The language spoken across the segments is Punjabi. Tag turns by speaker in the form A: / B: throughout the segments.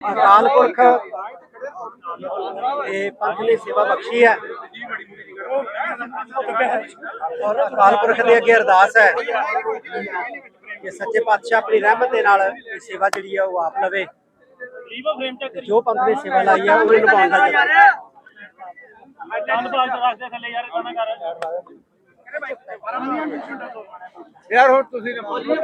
A: अकाल पुरख पंथ ने सेवा बख्शी है और अकाल पुरख के अगे अरदास है कि सच्चे पातशाह अपनी रहमत के नाल सेवा जी है वो आप लवे। जो पंथ ने सेवा लाई है उन्हें निभाने
B: यार हो तुसी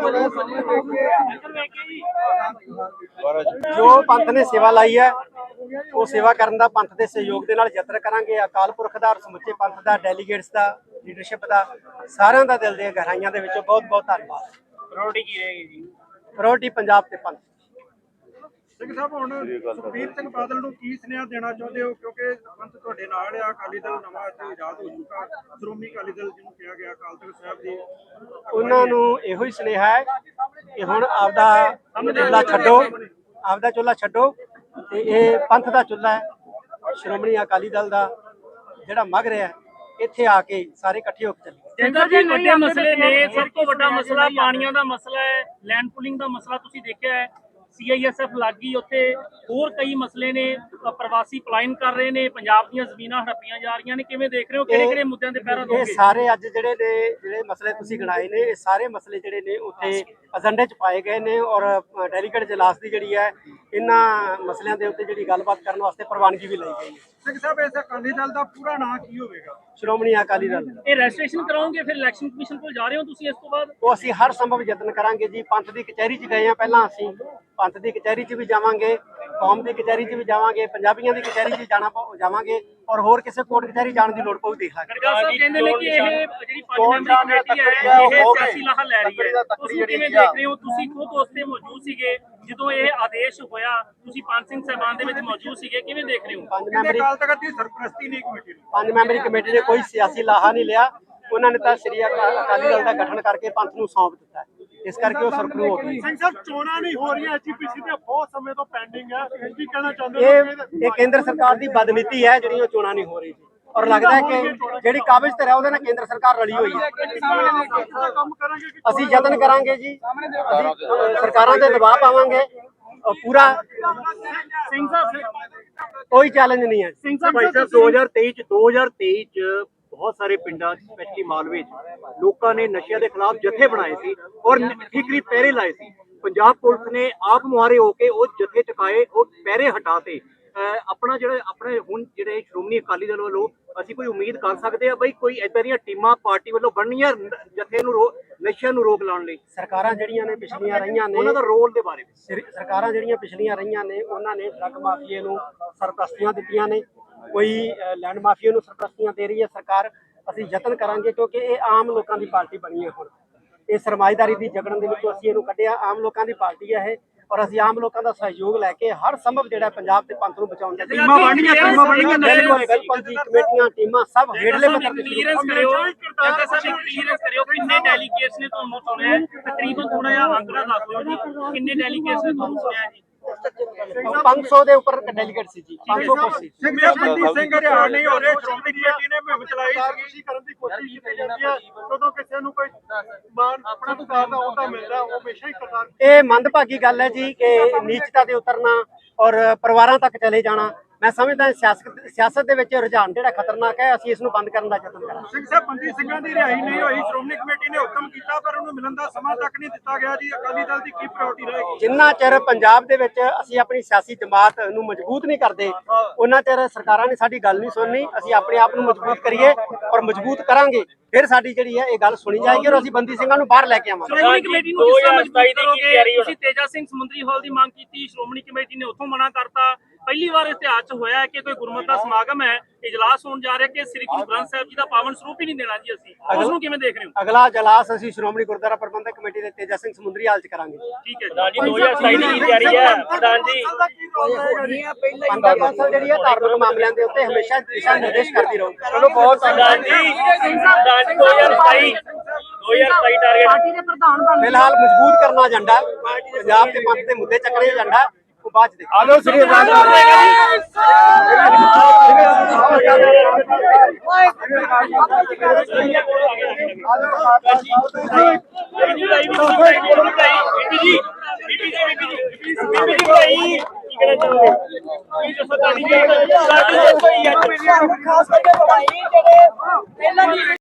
A: जो पंथ ने सेवा लाई है वो सेवा करने का पंथ के सहयोग के नाल यत्न करांगे। अकाल पुरख का और समुचे पंथ का डेलीगेट्स का लीडरशिप का सारिਆਂ ਦਾ दिल ਦੀਆਂ गहराइयां ਦੇ ਵਿੱਚੋਂ बहुत बहुत धन्यवाद।
B: प्रायोरिटी की रहेगी जी?
A: प्रायोरिटी पंजाब ते पंथ।
C: ਸਿੰਘ ਸਾਹਿਬ ਹੁਣ ਸੁਖਬੀਰ ਸਿੰਘ ਬਾਦਲ ਨੂੰ ਕੀ ਸੁਨੇਹਾ ਦੇਣਾ ਚਾਹੁੰਦੇ ਹੋ ਕਿਉਂਕਿ ਪੰਥ ਤੁਹਾਡੇ ਨਾਲ ਆ। ਅਕਾਲੀ ਦਲ ਨਵਾਂ ਇੱਥੇ ਆਜ਼ਾਦ ਹੋ ਚੁੱਕਾ। ਸ਼੍ਰੋਮਣੀ ਅਕਾਲੀ ਦਲ ਜਿਹਨੂੰ ਕਿਹਾ ਗਿਆ ਅਕਾਲ ਤਖਤ ਸਾਹਿਬ ਦੀ
A: ਉਹਨਾਂ ਨੂੰ ਇਹੋ ਹੀ ਸੁਨੇਹਾ ਹੈ ਕਿ ਹੁਣ ਆਪਦਾ ਚੁੱਲ੍ਹਾ ਛੱਡੋ, ਆਪਦਾ ਚੁੱਲ੍ਹਾ ਛੱਡੋ ਤੇ ਇਹ ਪੰਥ ਦਾ ਚੁੱਲ੍ਹਾ ਹੈ। ਸ਼੍ਰੋਮਣੀ ਅਕਾਲੀ ਦਲ ਦਾ ਜਿਹੜਾ ਮਗ ਰਿਹਾ ਇੱਥੇ ਆ ਕੇ ਸਾਰੇ ਇਕੱਠੇ ਹੋ ਕੇ ਚੱਲੀਏ।
D: ਜਿੰਦਰ ਜੀ ਵੱਡੇ ਮਸਲੇ ਨੇ, ਸਭ ਤੋਂ ਵੱਡਾ ਮਸਲਾ ਪਾਣੀਆਂ ਦਾ ਮਸਲਾ ਹੈ, ਲੈਂਡ ਪੁਲਿੰਗ ਦਾ ਮਸਲਾ ਤੁਸੀਂ ਦੇਖਿਆ ਹੈ। CISF ਲੱਗੀ ਉੱਥੇ, ਹੋਰ ਕਈ ਮਸਲੇ ਨੇ, ਪ੍ਰਵਾਸੀ ਪਲਾਇਨ ਕਰ ਰਹੇ ਨੇ, ਪੰਜਾਬ ਦੀਆਂ ਜ਼ਮੀਨਾਂ ਹੜੱਪੀਆਂ ਜਾ ਰਹੀਆਂ ਨੇ। ਕਿਵੇਂ ਦੇਖ ਰਹੇ ਹੋ, ਕਿਹੜੇ ਕਿਹੜੇ ਮੁੱਦਿਆਂ ਤੇ ਪਹਿਰਾ ਦੋਗੇ?
A: ਇਹ ਸਾਰੇ ਅੱਜ ਜਿਹੜੇ ਮਸਲੇ ਤੁਸੀਂ ਗਿਣਾਏ ਨੇ, ਇਹ ਸਾਰੇ ਮਸਲੇ ਜਿਹੜੇ ਨੇ ਉੱਥੇ ਏਜੰਡੇ 'ਚ ਪਾਏ ਗਏ ਨੇ ਔਰ ਡੈਲੀਗੇਟ ਇਜਲਾਸ ਦੀ ਜਿਹੜੀ ਹੈ ਇਹਨਾਂ ਮਸਲਿਆਂ ਦੇ ਉੱਤੇ ਜਿਹੜੀ ਗੱਲਬਾਤ ਕਰਨ ਵਾਸਤੇ ਪ੍ਰਵਾਨਗੀ ਵੀ ਲਈ ਗਈ ਹੈ।
C: ਸਿੰਘ ਸਾਹਿਬ ਇਸ ਅਕਾਲੀ ਦਲ ਦਾ ਪੂਰਾ ਨਾਂ ਕੀ ਹੋਵੇਗਾ?
A: ਸ਼੍ਰੋਮਣੀ ਅਕਾਲੀ ਦਲ।
D: ਇਹ ਰਜਿਸਟ੍ਰੇਸ਼ਨ ਕਰਾਓਗੇ ਫਿਰ ਇਲੈਕਸ਼ਨ ਕਮਿਸ਼ਨ ਕੋਲ ਜਾ ਰਹੇ ਹੋ ਤੁਸੀਂ ਇਸ ਤੋਂ ਬਾਅਦ?
A: ਉਹ ਅਸੀਂ ਹਰ ਸੰਭਵ ਯਤਨ ਕਰਾਂਗੇ ਜੀ। ਪੰਥ ਦੀ ਕਚਹਿਰੀ 'ਚ ਗਏ ਆ ਪਹਿਲਾਂ, ਅਸੀਂ ਪੰਥ ਦੀ ਕਚਹਿਰੀ 'ਚ ਵੀ ਜਾਵਾਂਗੇ, ਕੌਮ ਦੀ ਕਚਹਿਰੀ 'ਚ ਵੀ ਜਾਵਾਂਗੇ, ਪੰਜਾਬੀਆਂ ਦੀ ਕਚਹਿਰੀ 'ਚ ਜਾਵਾਂਗੇ ਔਰ ਹੋਰ ਕਿਸੇ ਕੋਰਟ ਕਚਹਿਰੀ ਜਾਣ ਦੀ ਲੋੜ ਪਊ ਦੇਖ ਲਾਂਗੇ।
D: ਗਰਗਾ ਸਾਹਿਬ ਕਹਿੰਦੇ ਨੇ ਕਿ ਇਹ ਜਿਹੜੀ 5 ਮੈਂਬਰੀ ਕਮੇਟੀ ਹੈ ਇਹ ਸਿਆਸੀ ਲਾਹਾ ਲੈ ਰਹੀ ਹੈ, ਤੁਸੀਂ ਕਿਵੇਂ ਦੇਖ ਰਹੇ ਹੋ? ਤੁਸੀਂ ਖੁਦ ਉਸ ਤੇ ਮੌਜੂਦ ਸੀਗੇ ਜਦੋਂ ਇਹ ਆਦੇਸ਼ ਹੋਇਆ, ਤੁਸੀਂ ਪੰਜ ਸਿੰਘ ਸਾਹਿਬਾਨ ਦੇ ਵਿੱਚ ਮੌਜੂਦ ਸੀਗੇ, ਕਿਵੇਂ ਦੇਖ ਰਹੇ ਹੋ?
C: ਅਕਾਲ ਤਖਤ ਦੀ ਸਰਪ੍ਰਸਤੀ ਨਹੀਂ ਕਮੇਟੀ ਨੂੰ।
A: 5 ਮੈਂਬਰੀ ਕਮੇਟੀ ਨੇ ਕੋਈ ਸਿਆਸੀ ਲਾਹਾ ਨਹੀਂ ਲਿਆ। ਉਹਨਾਂ ਨੇ ਤਾਂ ਸ੍ਰੀ ਅਕਾਲੀ ਦਲ ਦਾ ਗਠਨ ਕਰਕੇ ਪੰਥ ਨੂੰ ਸੌਂਪ ਦਿੱਤਾ, ਇਸ ਕਰਕੇ ਉਹ ਸਰਪਰੂ ਹੋ ਗਈ।
C: ਸਿੰਘ ਸਾਹਿਬ ਚੋਣਾਂ ਨਹੀਂ ਹੋ ਰਹੀਆਂ, ਐਜੀਪੀਸੀ ਦੇ ਬਹੁਤ ਸਮੇਂ ਤੋਂ ਪੈਂਡਿੰਗ ਹੈ, ਕੀ ਕਹਿਣਾ ਚਾਹੁੰਦੇ ਹੋ?
A: ਇਹ ਕੇਂਦਰ ਸਰਕਾਰ ਦੀ ਬਦਨੀਤੀ ਹੈ ਜਿਹੜੀ ਉਹ ਚੋਣਾਂ ਨਹੀਂ ਹੋ ਰਹੀ ਔਰ ਲੱਗਦਾ ਹੈ ਕਿ ਜਿਹੜੀ ਕਾਬਜ਼ ਤੇ ਹੈ ਉਹਦੇ ਨਾਲ ਕੇਂਦਰ ਸਰਕਾਰ ਰਲੀ ਹੋਈ ਹੈ। ਅਸੀਂ ਯਤਨ ਕਰਾਂਗੇ ਜੀ, ਅਸੀਂ ਸਰਕਾਰਾਂ ਤੇ ਦਬਾਅ ਪਾਵਾਂਗੇ ਪੂਰਾ।
D: ਸਿੰਘ ਸਾਹਿਬ
A: ਕੋਈ ਚੈਲੰਜ ਨਹੀਂ ਹੈ।
D: ਸਿੰਘ ਸਾਹਿਬ
E: 2023 ਚ ਬਹੁਤ ਸਾਰੇ ਪਿੰਡਾਂ ਸਪੈਸ਼ਲੀ ਮਾਲਵੇ ਚ ਲੋਕਾਂ ਨੇ ਨਸ਼ਿਆਂ ਦੇ ਖਿਲਾਫ ਜਥੇ ਬਣਾਏ ਸੀ ਔਰ ਠੀਕਰੀ ਪਹਿਰੇ ਲਾਏ ਸੀ। ਪੰਜਾਬ ਪੁਲਿਸ ਨੇ ਆਪ ਮੁਹਾਰੇ ਹੋ ਕੇ ਉਹ ਜਥੇ ਚੁਕਾਏ, ਉਹ ਪਹਿਰੇ ਹਟਾਤੇ। ਆਪਣੇ ਹੁਣ ਜਿਹੜੇ ਸ਼੍ਰੋਮਣੀ ਅਕਾਲੀ ਦਲ ਵੱਲੋਂ ਅਸੀਂ ਕੋਈ ਉਮੀਦ ਕਰ ਸਕਦੇ ਆ ਬਈ ਕੋਈ ਏਦਾਂ ਦੀਆਂ ਟੀਮਾਂ ਪਾਰਟੀ ਵੱਲੋਂ ਬਣਨੀਆਂ ਜਥੇ ਨੂੰ ਨਸ਼ਿਆਂ ਨੂੰ ਰੋਕ ਲਾਉਣ ਲਈ?
A: ਸਰਕਾਰਾਂ ਜਿਹੜੀਆਂ ਨੇ ਪਿਛਲੀਆਂ ਰਹੀਆਂ ਨੇ,
E: ਉਹਨਾਂ ਦਾ ਰੋਲ ਦੇ ਬਾਰੇ
A: ਸਰਕਾਰਾਂ ਜਿਹੜੀਆਂ ਪਿਛਲੀਆਂ ਰਹੀਆਂ ਨੇ ਉਹਨਾਂ ਨੇ ਡਰੱਗ ਮਾਫੀਏ ਨੂੰ ਸਰਪ੍ਰਸਤੀਆਂ ਦਿੱਤੀਆਂ ਨੇ, ਕੋਈ ਲੈਂਡ ਮਾਫੀਏ ਨੂੰ ਸਰਪ੍ਰਸਤੀਆਂ ਦੇ ਰਹੀ ਹੈ ਸਰਕਾਰ। ਅਸੀਂ ਯਤਨ ਕਰਾਂਗੇ ਕਿਉਂਕਿ ਇਹ ਆਮ ਲੋਕਾਂ ਦੀ ਪਾਰਟੀ ਬਣੀ ਹੈ। ਹੁਣ ਇਹ ਸਰਮਾਏਦਾਰੀ ਦੀ ਜਗੜਨ ਦੇ ਵਿੱਚੋਂ ਅਸੀਂ ਇਹਨੂੰ ਕੱਢਿਆ। ਆਮ ਲੋਕਾਂ ਦੀ ਪਾਰਟੀ ਹੈ ਇਹ ਔਰ ਅਸੀਂ ਆਮ ਲੋਕਾਂ ਦਾ ਸਹਿਯੋਗ ਲੈ ਕੇ ਹਰ ਸੰਭਵ ਜਿਹੜਾ ਪੰਜਾਬ ਦੇ ਪੰਥ ਨੂੰ ਬਚਾਉਣ ਦਾ
D: ਟੀਮਾਂ ਬਣਨੀਆਂ
A: ਬਿਲਕੁਲ ਜੀ, ਕਮੇਟੀਆਂ ਟੀਮਾਂ ਸਭ ਹੇਠਲੇ ਪੱਧਰ ਤੇ
D: ਕਲੀਅਰੈਂਸ ਕਰਿਓ। ਜੱਗਾ ਸਾਹਿਬ ਕਲੀਅਰੈਂਸ ਕਰਿਓ, ਕਿੰਨੇ ਡੈਲੀਗੇਟਸ ਨੇ ਤੁਹਾਨੂੰ ਚੁਣਿਆ? ਤਕਰੀਬਨ ਥੋੜਾ ਜਿਹਾ ਅੰਕੜਾ ਦੱਸ ਦਿਓ ਜੀ, ਕਿੰਨੇ ਡੈਲੀਗੇਟਸ ਨੇ ਤੁਹਾਨੂੰ ਚੁਣਿਆ ਜੀ?
A: 500 ਦੇ ਉੱਪਰ ਡੈਲੀਗੇਟ ਸੀ ਜੀ, 500 ਕੁਰਸੀ।
C: ਸਿੰਘ ਸਾਹਿਬ ਬੰਦੀ ਸਿੰਘ ਹਰਿਆਣ ਨਹੀਂ ਹੋ ਰਹੇ, ਸ਼੍ਰੋਮਣੀ ਕਮੇਟੀ ਨੇ ਮੁਹਿੰਮ ਚਲਾਈ ਸੀ ਕਰਨ ਦੀ ਕੋਸ਼ਿਸ਼ ਕੀਤੀ ਜਾਂਦੀ ਹੈ ਜਦੋਂ ਕਿਸੇ ਨੂੰ ਕੋਈ ਮਾਨ ਆਪਣਾ ਸਰਕਾਰ ਦਾ ਉਹਦਾ ਮਿਲਦਾ ਉਹ ਹਮੇਸ਼ਾ ਹੀ ਕਰਤਾਰ।
A: ਇਹ ਮੰਦਭਾਗੀ ਗੱਲ ਹੈ ਜੀ ਕਿ ਨੀਚਤਾ ਤੇ ਉਤਰਨਾ ਔਰ ਪਰਿਵਾਰਾਂ ਤੱਕ ਚਲੇ ਜਾਣਾ। ਮੈਂ ਸਮਝਦਾ ਸਿਆਸਤ ਦੇ ਵਿੱਚ ਰੁਝਾਨ ਜਿਹੜਾ ਖਤਰਨਾਕ ਹੈ, ਅਸੀਂ ਇਸ ਨੂੰ ਬੰਦ ਕਰਨ ਦਾ ਯਤਨ ਕਰਾਂਗੇ।
C: ਸਿੰਘ ਸਾਹਿਬ ਬੰਦੀ ਸਿੰਘਾਂ ਦੀ ਰਿਹਾਈ ਨਹੀਂ ਹੋਈ, ਸ਼੍ਰੋਮਣੀ ਕਮੇਟੀ ਨੇ ਹੁਕਮ ਕੀਤਾ ਪਰ ਉਹਨੂੰ ਮਿਲਣ ਦਾ ਸਮਾਂ ਤੱਕ ਨਹੀਂ ਦਿੱਤਾ ਗਿਆ ਜੀ। ਅਕਾਲੀ ਦਲ ਦੀ ਕੀ ਪ੍ਰਾਇੋਰਟੀ ਰਹੇਗੀ?
A: ਜਿੰਨਾ ਚਿਰ ਪੰਜਾਬ ਦੇ ਵਿੱਚ ਅਸੀਂ ਆਪਣੀ ਸਿਆਸੀ ਜਮਾਤ ਨੂੰ ਮਜ਼ਬੂਤ ਨਹੀਂ ਕਰਦੇ ਉਹਨਾਂ ਚਿਰ ਸਰਕਾਰਾਂ ਨੇ ਸਾਡੀ ਗੱਲ ਨਹੀਂ ਸੁਣਨੀ। ਅਸੀਂ ਆਪਣੇ ਆਪ ਨੂੰ ਮਜ਼ਬੂਤ ਕਰੀਏ ਔਰ ਮਜ਼ਬੂਤ ਕਰਾਂਗੇ, ਫਿਰ ਸਾਡੀ ਜਿਹੜੀ ਹੈ ਇਹ ਗੱਲ ਸੁਣੀ ਜਾਏਗੀ ਔਰ ਅਸੀਂ ਬੰਦੀ ਸਿੰਘਾਂ ਨੂੰ ਬਾਹਰ ਲੈ ਕੇ ਆਵਾਂਗੇ।
D: ਸ਼੍ਰੋਮਣੀ ਕਮੇਟੀ ਨੂੰ ਕਿਸ ਤਰ੍ਹਾਂ ਮਜ਼ਬੂਤ ਕਰੋਗੇ? ਤੁਸੀਂ ਤੇਜਾ ਸਿੰਘ ਸਮੁੰਦਰੀ ਹਾਲ ਦੀ ਮੰਗ ਕੀਤੀ, ਸ਼੍ਰੋਮਣੀ ਕਮੇਟੀ ਨੇ ਉੱਥੋਂ ਮਨਾ ਕਰਤਾ। ਪਹਿਲੀ ਵਾਰ ਇਤਿਹਾਸ 'ਚ ਹੋਇਆ ਹੈ ਕਿ ਕੋਈ ਗੁਰਮਤਿ ਦਾ ਸਮਾਗਮ ਹੈ, ਇਜਲਾਸ ਹੋਣ ਜਾ ਰਿਹਾ ਕਿ ਸ੍ਰੀ ਗੁਰੂ ਗ੍ਰੰਥ ਸਾਹਿਬ ਜੀ ਦਾ ਪਾਵਨ ਸਰੂਪ ਹੀ ਨਹੀਂ ਦੇਣਾ ਜੀ ਅਸੀਂ, ਉਸ ਨੂੰ ਕਿਵੇਂ ਦੇਖ ਰਹੇ ਹੋ?
A: ਅਗਲਾ ਇਜਲਾਸ ਅਸੀਂ ਸ਼੍ਰੋਮਣੀ ਗੁਰਦੁਆਰਾ ਪ੍ਰਬੰਧਕ ਕਮੇਟੀ ਦੇ ਤੇਜਾ ਸਿੰਘ ਸਮੁੰਦਰੀ ਹਾਲ 'ਚ ਕਰਾਂਗੇ।
D: ਠੀਕ ਹੈ ਜੀ, 2027 ਦੀ ਤਿਆਰੀ ਹੈ ਪ੍ਰਧਾਨ ਜੀ।
A: ਪੰਥਕ ਕੌਂਸਲ ਜਿਹੜੀ ਹੈ ਧਾਰਮਿਕ ਮਾਮਲਿਆਂ ਦੇ ਉੱਤੇ ਹਮੇਸ਼ਾ ਦਿਸ਼ਾ ਨਿਰਦੇਸ਼ ਕਰਦੀ ਰਹੂ।
D: ਚਲੋ ਬਹੁਤ ਪ੍ਰਧਾਨ ਜੀ 2027 ਟਾਰਗੇਟ
F: ਪਾਰਟੀ ਦੇ ਪ੍ਰਧਾਨ ਬਣ
A: ਫਿਲਹਾਲ ਮਜ਼ਬੂਤ ਕਰਨਾ ਏਜੰਡਾ, ਪੰਜਾਬ ਦੇ ਪੰਥ ਦੇ ਮੁੱਦੇ ਚੱਕਣੇ ਏਜੰਡਾ ਉਹ ਬਾਅਦ ਚ ਦੇਖਾਂਗੇ।
B: ਆਲੋ ਸ੍ਰੀ ਅਕਾਲ
D: ਕਹਿਣਾ ਚਾਹੋਗੇ ਤੁਸੀਂ ਦੱਸੋ ਤੁਹਾਡੀ ਕੀ